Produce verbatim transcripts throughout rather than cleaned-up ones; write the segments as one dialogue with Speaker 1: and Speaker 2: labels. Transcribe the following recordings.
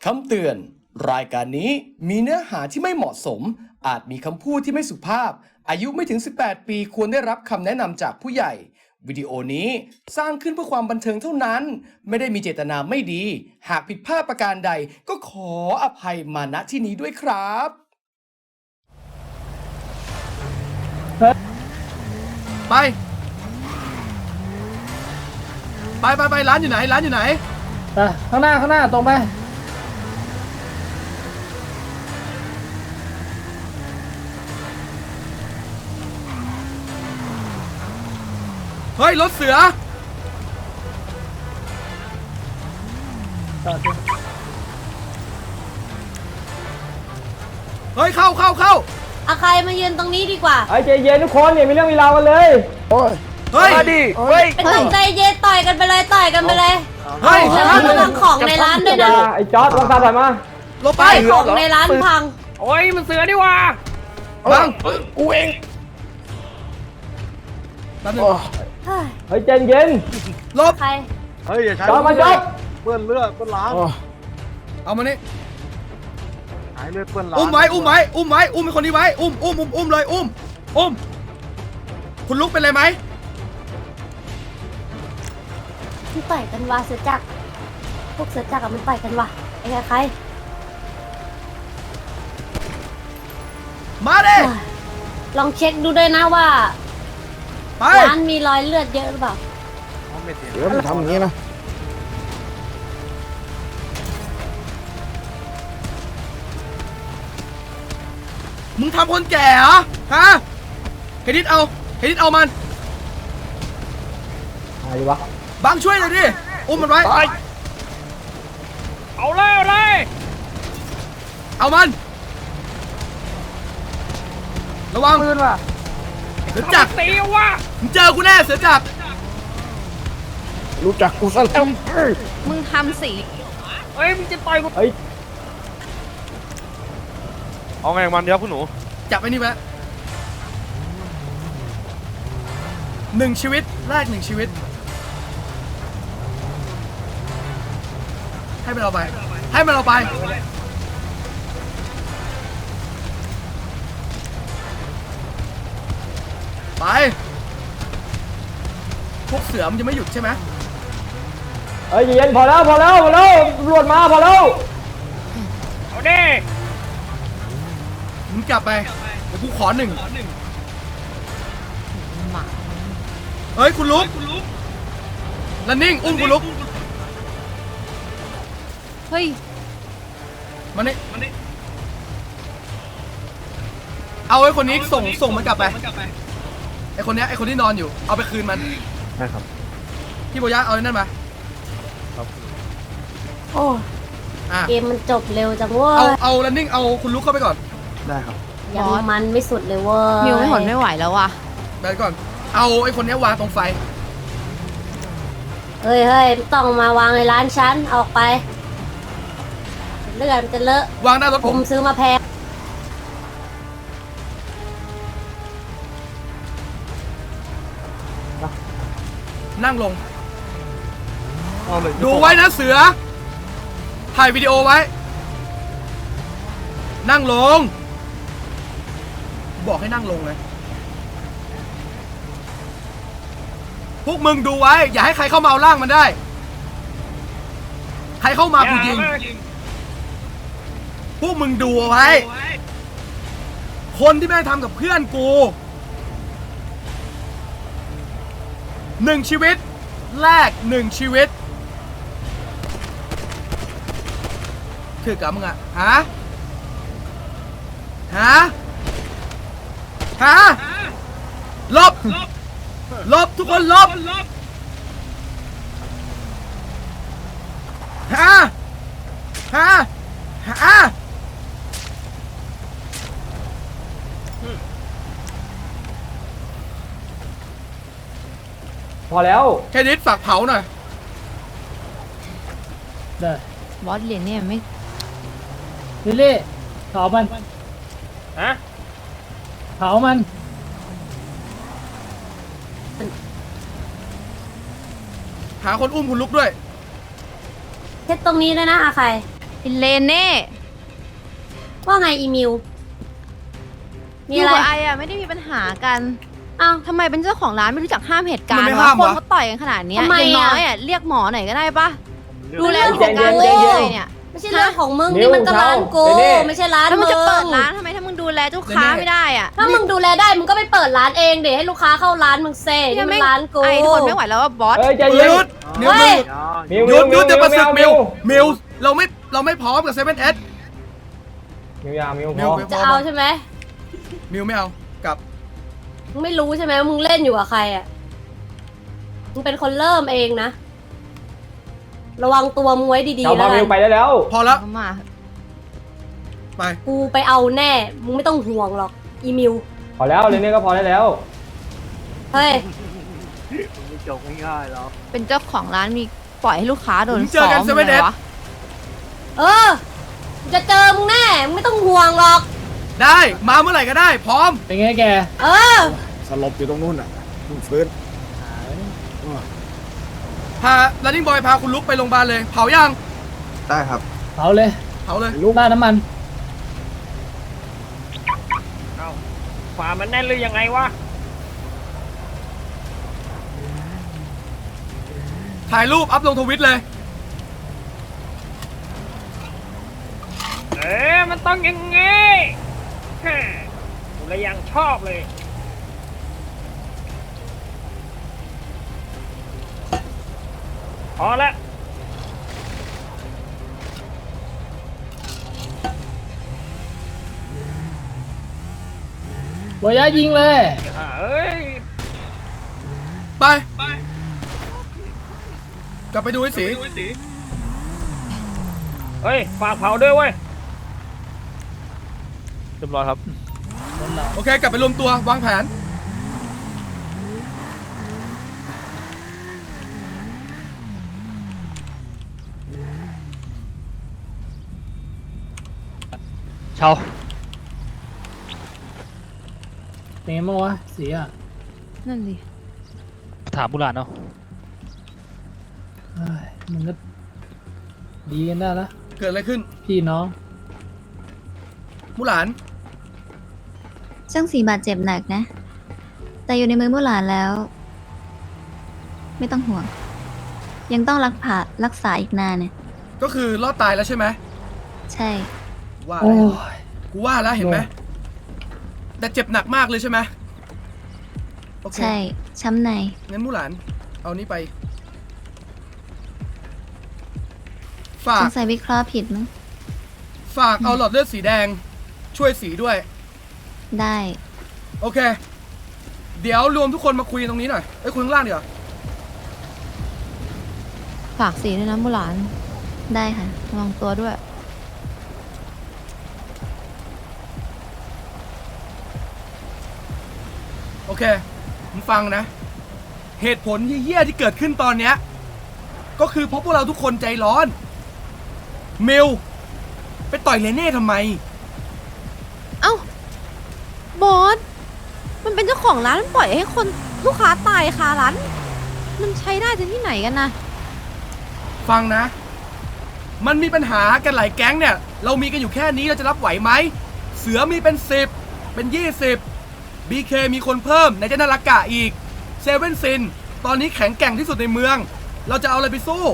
Speaker 1: คำเตือนรายการนี้มีเนื้อหาที่ไม่เหมาะสมอาจมีคำพูดที่ไม่สุภาพอายุไม่ถึงสิบแปดปีควรได้รับคำแนะนำจากผู้ใหญ่วิดีโอนี้สร้างขึ้นเพื่อความบันเทิงเท่านั้นไม่ได้มีเจตนาไม่ดีหากผิดพลาดประการใดก็ขออภัยมาณที่นี้ด้วยครับไปไปไปไปร้านอยู่ไหนร้านอยู่ไหน
Speaker 2: ไปข้างหน้าข้างหน้าตรงไป
Speaker 1: เฮ้ยรถเสือเฮ้ยเข้าเข้าเข้า
Speaker 3: อาใครมายืนตรงนี้ดีกว่า
Speaker 2: ไอ้ใจเย็นทุกคนเนี่ยมีเรื่องมีราวกันเลยโอ้ย
Speaker 1: เฮ้ยมาดิ
Speaker 2: เฮ้ย
Speaker 3: เป็นตกใจเย็นต่อยกันไปเลยต่อยกันไปเลย
Speaker 1: เฮ้ย
Speaker 3: แล้วระวังของในร้านด้วยนะ
Speaker 2: ไอ้จอร์ดลองตาถ่ายมา
Speaker 1: ลงไป
Speaker 3: ของในร้านพัง
Speaker 2: โอ้ยมันเสือดีว่า
Speaker 1: บัง
Speaker 2: กูเองเฮ้ยใจเย็น
Speaker 1: ลบ
Speaker 3: ใคร
Speaker 4: เฮ้ยอย่าใช้
Speaker 2: จอร์ดมาจอร์ด
Speaker 4: เปื้อนเลือดเปื้อนล้าง
Speaker 1: เอามานี่
Speaker 4: หายเลือดเปื้อนล้าง
Speaker 1: อุ้มไว้อุ้มไว้อุ้มไว้อุ้มเป็นคนนี้ไว้อุ้มอุ้มอุ้มอุ้มเลยอุ้มอุ้มคุณลุกเป็นไรไหม
Speaker 3: มันต่อยกันวะเสือจักรพวกเสือจักรมันต่อยกันวะไอ้ใคร
Speaker 1: มาดิ
Speaker 3: ลองเช็คดูด้วยนะว่าร้านมีรอยเลือดเยอะหรือเปล่า
Speaker 4: เดี๋ยวมันทำอย่างนี้นะ
Speaker 1: มึงทำคนแก่เหรอฮะเฮดิสเอาเฮดิสเอามัน
Speaker 2: อะไรวะ
Speaker 1: บังช่วยหน่อยดิอุ้มมันไว้
Speaker 2: เอาเลยเอาเลย
Speaker 1: เอามันระวัง
Speaker 2: ปืนว่ะ
Speaker 1: เสือจักร
Speaker 2: ตีว่ะ
Speaker 1: มึงเจอกูแน่เสือจักร
Speaker 4: รู้จักกูซะแล้ว
Speaker 3: มึงทำสี
Speaker 2: เฮ้ยมึงจะต่อยกูเฮ้ย
Speaker 4: เอาไงมันเดี๋ยวคุณหนู
Speaker 1: จับไอ้นี่ไว้หนึ่งชีวิตแรกหนึ่งชีวิตให้มันเอาไปให้มันเอาไปไปพวกเสือมันจะไม่หยุดใช่ไหม
Speaker 2: เฮ้ยเย็นพอแล้วพอแล้วพอแล้วตำรวจมาพอแล้วเอาดิ
Speaker 1: มึงกลับไปเดี๋ยวกูขอหนึ่งเฮ้ยคุณลุกลันนิ่งอุ้มคุณลุก
Speaker 3: เฮ้ย
Speaker 1: มานี่เอาไอ้คนนี้ส่งส่งมันกลับไปไอ้คนนี้ไอ้คนที่นอนอยู่เอาไปคืนมัน
Speaker 4: ได้ครับ
Speaker 1: พี่โบย่าเอาไอ้นั่นมา
Speaker 3: โอ้เกมมันจบเร็วจังเว้ย
Speaker 1: เอาเอาลันนิ่งเอาคุณลุกเข้าไปก่อน
Speaker 4: ได้ครับ
Speaker 3: ยังมันไม่สุดเลยเว้ย
Speaker 5: มิวไม่หนไม่ไหวแล้วว่ะ
Speaker 1: ไปก่อนเอาไอ้คนนี้วางตรงไฟ
Speaker 3: เฮ้ยเฮ้ยต้องมาวางในร้านฉันออกไปเลือดมันจะเลอะ
Speaker 1: วางหน้ารถ
Speaker 3: ผมซื้อมาแพง
Speaker 1: นั่งลงดูไว้นะเสือถ่ายวิดีโอไว้นั่งลงบอกให้นั่งลงเลยพวกมึงดูไว้อย่าให้ใครเข้ามาเอาร่างมันได้ใครเข้ามากูยิงพวกมึงดูไว้คนที่แม่งทำกับเพื่อนกูหนึ่งชีวิตแรกหนึ่งชีวิตคือกับมึงอะฮะฮะฮะลบลบทุกคนลบฮะฮะฮะ
Speaker 2: พอแล้ว
Speaker 1: แค่นิดฝากเผาหน่อย
Speaker 2: ได้
Speaker 5: บอสเหรียญเนี่ยไม่
Speaker 2: ลิลลี่เผามันฮะเผามัน
Speaker 1: หาคนอุ้มคุณลุกด้วย
Speaker 3: เช็ดตรงนี้ด้วยนะอาใคร
Speaker 5: เลนเน่
Speaker 3: ว่าไงอีมิว มี
Speaker 5: อยู่
Speaker 3: อะไร
Speaker 5: กับไออะไม่ได้มีปัญหากัน
Speaker 3: อ้าว
Speaker 5: ทำไมเป็นเจ้าของร้านไม่รู้จักห้ามเหตุการ
Speaker 1: มัน
Speaker 5: ณ์
Speaker 1: ไม่
Speaker 5: วะ
Speaker 1: ห้าม
Speaker 5: คน
Speaker 1: วะ
Speaker 5: เขาต่อยกันขนาดเนี้ย
Speaker 3: ทำไม
Speaker 5: อย่าง
Speaker 3: อะ
Speaker 5: น้อยอะเรียกหมอหน่อยก็ได้ปะดูแล
Speaker 3: เรื่อง
Speaker 5: กิจการ
Speaker 3: ของกู
Speaker 5: ได้ยังไงเนี่ย
Speaker 3: ไม่ใช่เรื่องของมึง
Speaker 2: นิ้
Speaker 3: นี่
Speaker 2: ว
Speaker 3: มันก็ร้านกู
Speaker 2: เท้า
Speaker 3: ไม่ใช่ร้าน
Speaker 5: แล้วมึ
Speaker 3: มึ
Speaker 5: ง
Speaker 3: ง
Speaker 5: จะเปิดร้านทำไมถ้ามึงดูแลลูกค้าไม่ได้อะ
Speaker 3: ถ้ามึงดูแลได้มึงก็ไปเปิดร้านเองเดี๋ยวให้ลูกค้าเข้าร้านมึงเซ่นี่มันร้านกู
Speaker 5: ไอทนไม่ไหวแล้วว่าบอส
Speaker 2: เอ้ยใจ
Speaker 1: ห
Speaker 2: เย็น
Speaker 1: ยุดมิว
Speaker 3: เฮ้ย
Speaker 2: มิว
Speaker 1: หยุดหยุดจะประสึกมิว
Speaker 2: มิ
Speaker 1: มิ
Speaker 2: ว
Speaker 1: วเราไม่เราไม่พร้อมกับเซเว่นเอส
Speaker 2: มิวยามิว
Speaker 1: มิ
Speaker 2: พ
Speaker 1: ว
Speaker 2: อ
Speaker 1: ไป
Speaker 3: จะเอาใช่ไหม
Speaker 1: มิวไม่เอากลับ
Speaker 3: มึงไม่รู้ใช่ไหมว่ามึงเล่นอยู่กับใครอ่ะมึงเป็นคนเริ่มเองนะ ระวังตัวมึงไว้ดี
Speaker 2: เอา
Speaker 3: ๆแล้
Speaker 2: มาว
Speaker 3: กั
Speaker 2: มิวน ไปได้แล้ว
Speaker 1: พอแล้ว
Speaker 5: เข้ามา
Speaker 1: ไป
Speaker 3: กูไปเอาแน่ มึงไม่ต้องห่วงหรอกอีมิว
Speaker 2: พอแล้วเรนนี่ก็พอได้แล้ว
Speaker 3: เฮ้ย
Speaker 5: เป็นเจ้าของร้านมีปล่อยให้ลูกค้าโดน
Speaker 1: ผมเจอ
Speaker 5: ซ้อ
Speaker 1: กัน
Speaker 5: ม
Speaker 1: เซเว่น
Speaker 5: เล
Speaker 1: เอย ส
Speaker 5: วะ
Speaker 3: เออกูจะเจอมึงแน่มึงไม่ต้องห่วงหรอก
Speaker 1: ได้มาเมื่อไหร่ก็ได้ พร้อม
Speaker 2: เป็นไงแก
Speaker 3: เออ
Speaker 6: สลบอยู่ตรงนู้นอ่ะเพิ่งฟื้น
Speaker 1: พา running boy พาคุณลุกไปโรงพยาบาลเลย เผายัง
Speaker 4: ได้ครับ
Speaker 2: เผาเลย
Speaker 1: เผาเลย
Speaker 2: ลูกหน้าน้ำมัน
Speaker 7: ฝามันแน่นหรือยังไงวะ
Speaker 1: ถ่ายรูปอัพลงทวิตเลย
Speaker 7: เอ๊ะมันต้องอย่างงี้ฮ่ากูเลยยังชอบเลย พอละ
Speaker 2: บอยายิงเลย
Speaker 7: อ่าเอ้ย
Speaker 1: ไป กลับไปดูไอ้สี
Speaker 7: เฮ้ย ฝากเผาด้วยเว้ย
Speaker 4: เรียบร้อยครับ
Speaker 1: โอเค กลับไปรวมตัววางแผน
Speaker 8: เชา
Speaker 2: เป็นไงบ้างวะสีอ่ะ
Speaker 5: นั่นดิ
Speaker 8: ถามบุหลานเนาะ
Speaker 2: เอ้ยมันก็ดีกันได้ละ
Speaker 1: เกิดอะไรขึ้น
Speaker 2: พี่น้อง
Speaker 1: มุหลาน
Speaker 9: ช่างสีบาดเจ็บหนักนะ แต่อยู่ในมือมู่หลานแล้ว ไม่ต้องห่วง ยังต้องรักผ่ารักษาอีกนานเนี่ย
Speaker 1: ก็คือรอดตายแล้วใช่ไหม
Speaker 9: ใช่
Speaker 1: ว่า
Speaker 2: โอ้
Speaker 1: แล้ว
Speaker 2: ย
Speaker 1: กูว่าแล้วเห็นไหม
Speaker 2: โอ้
Speaker 1: แต่เจ็บหนักมากเลยใช่ไหมโอเค
Speaker 9: ใช่ ช้ำใน
Speaker 1: งั้นมุหลาน เอานี้ไป ฝา
Speaker 9: ส
Speaker 1: ก
Speaker 9: งสัยวิเคราะห์ผิดมั้ง
Speaker 1: ฝากเอาหลอดเลือดสีแดง ช่วยสีด้วย
Speaker 9: ได้
Speaker 1: โอเค เดี๋ยวรวมทุกคนมาคุยตรงนี้หน่อยเอ้ยคุยข้างล่างดีกว่า
Speaker 5: ฝากสีด้วยนะบุหลาน
Speaker 9: ได้ค่ะ
Speaker 5: ระวังตัวด้วย
Speaker 1: โอเคมึงฟังนะ เหตุผลเหี้ยๆที่เกิดขึ้นตอนเนี้ย ก็คือเพราะพวกเราทุกคนใจร้อน เมล ไปต่อยเลเน่ทำไม
Speaker 5: เอ้า บอส มันเป็นเจ้าของร้านมันปล่อยให้คนลูกค้าตายคาร้าน มันใช้ได้จะที่ไหนกันนะ
Speaker 1: ฟังนะ มันมีปัญหากันหลายแก๊งเนี่ย เรามีกันอยู่แค่นี้เราจะรับไหวไหม เสือมีเป็นสิบเป็นยี่สิบบีเคมีคนเพิ่มในเจนารากะอีกเซเว่นซินตอนนี้แข็งแกร่งที่สุดในเมือง เราจะเอาอะไรไปสู้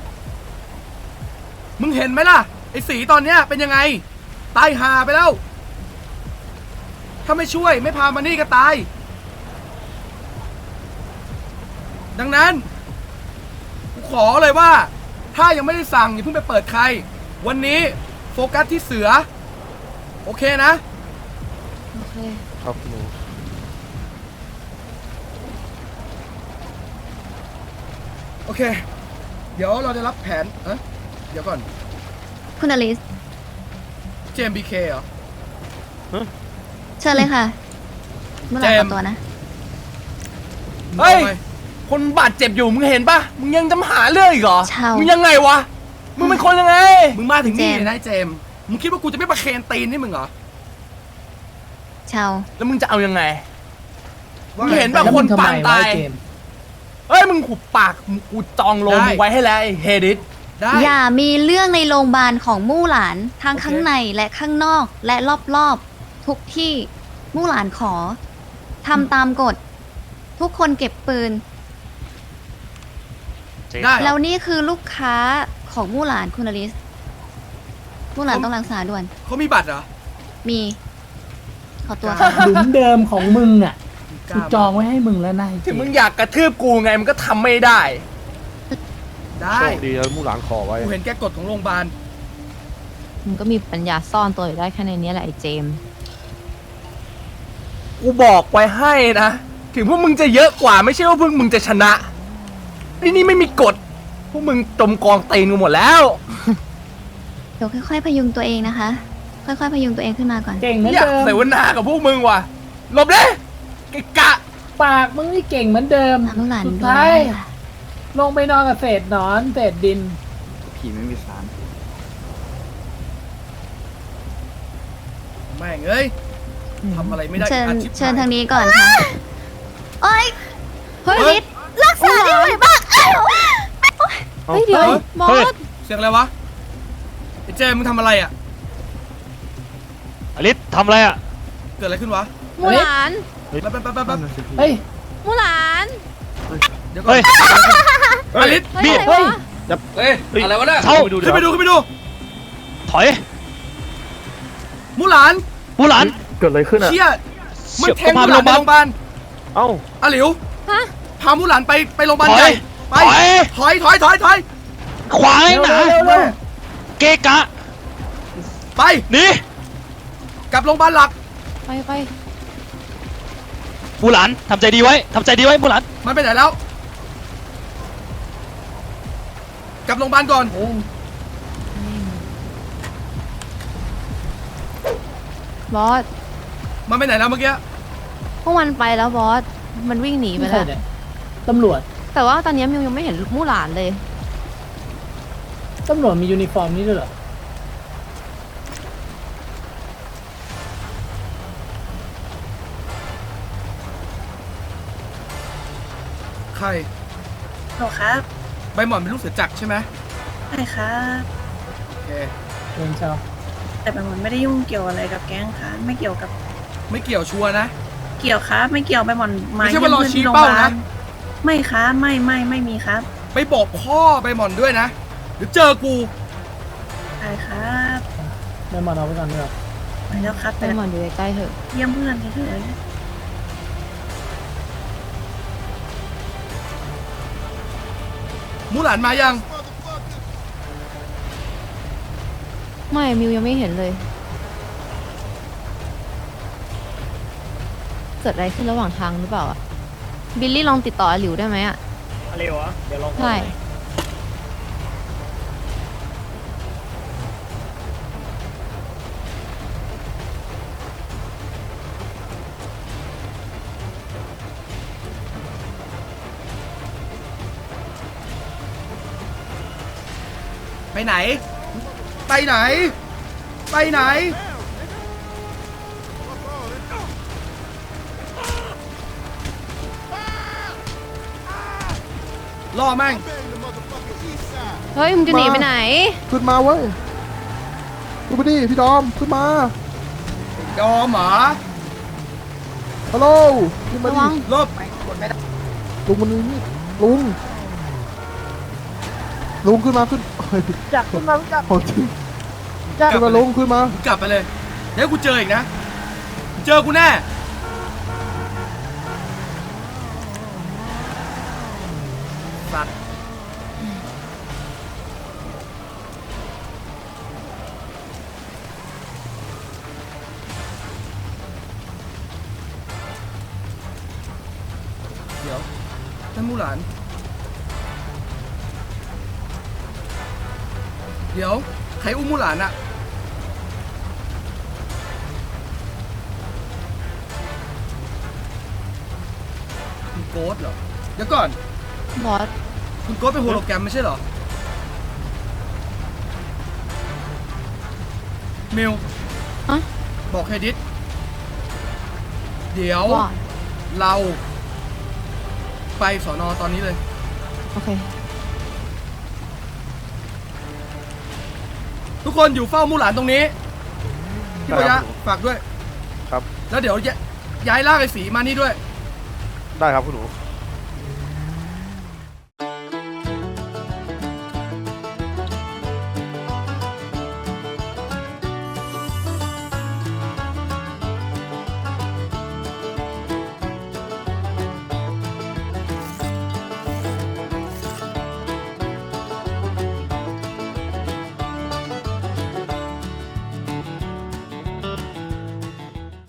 Speaker 1: มึงเห็นไหมล่ะ ไอ้สีตอนเนี้ยเป็นยังไง ตายหาไปแล้ว ถ้าไม่ช่วยไม่พามานี่ก็ตาย ดังนั้นกูขอเลยว่า ถ้ายังไม่ได้สั่งอย่าเพิ่งไปเปิดใคร วันนี้โฟกัสที่เสือ โอเคนะ
Speaker 5: โอเค
Speaker 4: ครับหนู
Speaker 1: โอเค เดี๋ยวเราจะรับแผนเอะเดี๋ยวก่อน
Speaker 9: คุณอลิส
Speaker 1: เจมบีเคเหรอ
Speaker 9: เชิญเลยค่ะมู่หลาน
Speaker 1: เจ
Speaker 9: ข
Speaker 1: มส์
Speaker 9: อตัวนะ
Speaker 1: เฮ้ย
Speaker 2: คนบาดเจ็บอยู่มึงเห็นปะมึงยังจะมาหาเรื่องอีกเหรอ
Speaker 9: เช่ามึ
Speaker 2: มึงยังไงวะ มึงเป็นคนยังไง
Speaker 1: มึงมาถึงนี่
Speaker 9: เจมส์
Speaker 1: เลยนะไอ้เจมส์มึงคิดว่ากูจะไม่ประเคนตีนนี่มึงเหรอ
Speaker 9: ชาว
Speaker 2: แล้วมึงจะเอายังไง
Speaker 1: ว่า
Speaker 2: มึง
Speaker 1: ไง
Speaker 2: เห็นปะคนปางตาย เอ้ยมึงหุบปากมึงกูจองโล
Speaker 1: ได้
Speaker 2: มึงไว้ให้แล้วไอ้เฮดิส
Speaker 1: ได้
Speaker 9: อย่ามีเรื่องในโรงพยาบาลของมู่หลานทั้ง
Speaker 1: โอเค
Speaker 9: ข้างในและข้างนอกและรอบๆ ทุกที่มู่หลานขอทำตามกฎ ทุกคนเก็บปืน
Speaker 1: ได้
Speaker 9: แล้วนี่คือลูกค้าของมู่หลานคุณอลิสมู่หลานต้องรักษาด่วน
Speaker 1: เขามีบัตรเหรอ
Speaker 9: มี ขอตัวค่ะ
Speaker 2: หลุมเดิมของมึงอ่ะกูจองไว้ให้มึงแล้วนาย
Speaker 1: ถึงมึงอยากกระทืบกูไงมันก็ทำไม่ได้ ได้
Speaker 4: โชคดีแล้วมู่หลานขอไว้
Speaker 1: กูเห็นแกกฎของโรงพยาบาล
Speaker 5: มึงก็มีปัญญาซ่อนตัวอยู่ได้แค่ในนี้แหละไอ้เจมส์
Speaker 1: กูบอกไว้ให้นะ ถึงพวกมึงจะเยอะกว่าไม่ใช่ว่าพวกมึงจะชนะที่นี่ไม่มีกฎ พวกมึงจมกองเตนกันหมดแล้ว
Speaker 9: เดี๋ยวค่อยๆ พยุงตัวเองนะคะ ค่อยๆ พยุงตัวเองขึ้นมาก่อน
Speaker 2: เก่งเหมือน
Speaker 1: อยาก
Speaker 2: เดิม
Speaker 1: เสวนากับพวกมึงว่ะหลบเลยไอ้กะ
Speaker 2: ปากมึงนี่เก่งเหมือนเดิม
Speaker 9: มู่หลาน
Speaker 2: สุด
Speaker 9: ดู
Speaker 2: ท้าย
Speaker 9: แลค่ะ
Speaker 2: ลงไปนอนกับเศษหนอนเศษดิน
Speaker 6: ผีไม่มีสาร
Speaker 1: แม่งเอ้ยทำอะไรไม่ได้
Speaker 9: เชิญ
Speaker 1: อาชีพ
Speaker 9: เชิญทางนี้ก่อนค่ะ โอ๊ย
Speaker 5: เฮ้ย
Speaker 1: เฮ้ย
Speaker 9: รักษาที่ไหนบ้าง
Speaker 5: เฮ้ยเดี๋ยวบอ
Speaker 8: เฮ้ย
Speaker 5: ส
Speaker 1: เสียงอะไรวะไอ้เจมมึงทำอะไรอ่ะ
Speaker 8: อลิสทำอะไรอ่ะ
Speaker 1: เกิดอะไรขึ้นวะ
Speaker 5: มูหลาน
Speaker 1: แป๊บแป๊บแป๊บแป๊บแป๊บ
Speaker 2: เฮ้ย
Speaker 5: มูหลาน
Speaker 1: เดี๋ยวก่อน
Speaker 8: เฮ้ย
Speaker 1: อลิส
Speaker 5: เฮ้ย
Speaker 8: นี่
Speaker 5: อะไร
Speaker 2: เฮ้ย
Speaker 5: วะ
Speaker 1: เฮ้ยอะไรวะเนี่ย
Speaker 8: เช่า
Speaker 1: ขึ้นไปดูขึ้นไปดู
Speaker 8: ถอย
Speaker 1: มูหลาน
Speaker 8: มูหลาน
Speaker 4: เกิดอะไรขึ้นอ่ะ
Speaker 1: เชี่ยมัน
Speaker 8: เชี่ย
Speaker 1: แทงมูหลานไปโรงพยาบาล
Speaker 4: เอ้า
Speaker 1: อาหลิว
Speaker 5: ฮะ
Speaker 1: พามูหลานไปไปโรงพยาบาล
Speaker 8: ถอย
Speaker 1: ใหญ่ไป
Speaker 8: ถอย
Speaker 1: ถอยถอยถอยถอย
Speaker 8: ขวางให้หนา
Speaker 2: เร็วเร็วเร็ว
Speaker 8: เกะกะ
Speaker 1: ไป
Speaker 8: หนี่
Speaker 1: กลับโรงพยาบาลหลัก
Speaker 5: ไปไป
Speaker 8: มูหลานทำใจดีไว้ทำใจดีไว้มูหลาน
Speaker 1: มันไปไหนแล้ว กลับโรงพยาบาลก่อน
Speaker 2: เออบ
Speaker 5: อส
Speaker 1: มันไปไหนแล้วเมื่อกี้
Speaker 5: พวกมันไปแล้วบอส มันวิ่งหนีไป
Speaker 2: ไม่ใช่
Speaker 5: แล้ว
Speaker 2: เนี่ยตำรวจ
Speaker 5: แต่ว่าตอนนี้มิวยังไม่เห็นมูหลานเลย
Speaker 2: ตำรวจมียูนิฟอร์มนี้ด้วยเหรอ
Speaker 1: ใคร
Speaker 10: หรอครับ
Speaker 1: ใบหมอนเป็นลูกเสือจักรใช่ไหม
Speaker 10: ใช่ครับ
Speaker 1: โอเค
Speaker 2: เองเชา
Speaker 10: แต่แบบมันไม่ได้ยุ่งเกี่ยวอะไรกับแก๊งครับไม่เกี่ยวกับ
Speaker 1: ไม่เกี่ยวชัวร์นะ
Speaker 10: เกี่ยวครับ ไม่เกี่ยวไปหมอนมา
Speaker 1: ไม่ใช่ว่ารอ
Speaker 10: เยี่ยม
Speaker 1: ชี้
Speaker 10: ที่โรงพ
Speaker 1: เป้าย
Speaker 10: าบา
Speaker 1: นะ
Speaker 10: ลไม่ครับไม่ไม่ไม่มีครับ
Speaker 1: ไปบอกพ่อใบหมอนด้วยนะเดี๋ยวเจอกู
Speaker 10: ใช่ครับ
Speaker 2: ได้มาเอาไปก่อนด้วยเหรอ
Speaker 10: ไปแล้วครับไป
Speaker 5: ไป
Speaker 10: แล้ว
Speaker 5: หมอนอยู่ใกล้ๆเถอะ
Speaker 10: เยี่ยมเพื่อนเฉย
Speaker 1: มูหลานมายัง
Speaker 5: ไม่มิวยังไม่เห็นเลย เกิดอะไรขึ้นระหว่างทางหรือเปล่าอะบิลลี่ลองติดต่ออาหลิวได้ไหมอะ
Speaker 7: อะไรวะเดี๋ยวลอง
Speaker 5: ใช่
Speaker 1: ไปไหน ไปไหน ไปไหน ล่อแม่ง
Speaker 5: เฮ้ยมึงจะหนีไปไหน
Speaker 6: ขึ้นมาเว้ยดูไปดิพี่ดอม ขึ้นมา
Speaker 1: ยอมเหรอ
Speaker 6: ฮัลโหลขึ้นมา
Speaker 5: ระ
Speaker 6: ดิ
Speaker 5: วัง
Speaker 1: ลบ
Speaker 6: ลุงมันนี่ลุง ลุงขึ้นมาขึ้นเฮ้ย
Speaker 2: จักขึ้นมาจัก
Speaker 6: โอ้จริงขึ้นมาลุงขึ้นมา
Speaker 1: กลับไปเลย เดี๋ยวกูเจออีกนะ เจอกูแน่ สัตว์ เดี๋ยวท่านมูหลาน เดี๋ยว ใครอุ้มมูหลานอะคุณโกสเหรอ เดี๋ยวก่อน
Speaker 5: บอส
Speaker 1: คุณโกสเป็นโฮโลแกรมไม่ใช่เหรอ มิว
Speaker 5: ฮะ
Speaker 1: บอกเฮดิสเดี๋ยว
Speaker 5: ว่า
Speaker 1: เราไปสอนอตอนนี้เลย
Speaker 5: โอเค
Speaker 1: ทุกคนอยู่เฝ้ามู่หลานตรงนี้พี่ปยะฝากด้วย
Speaker 4: ครับ
Speaker 1: แล้วเดี๋ยวย้ายล่ากไอ้สีมานี่ด้วย
Speaker 4: ได้ครับคุณหนู
Speaker 1: โ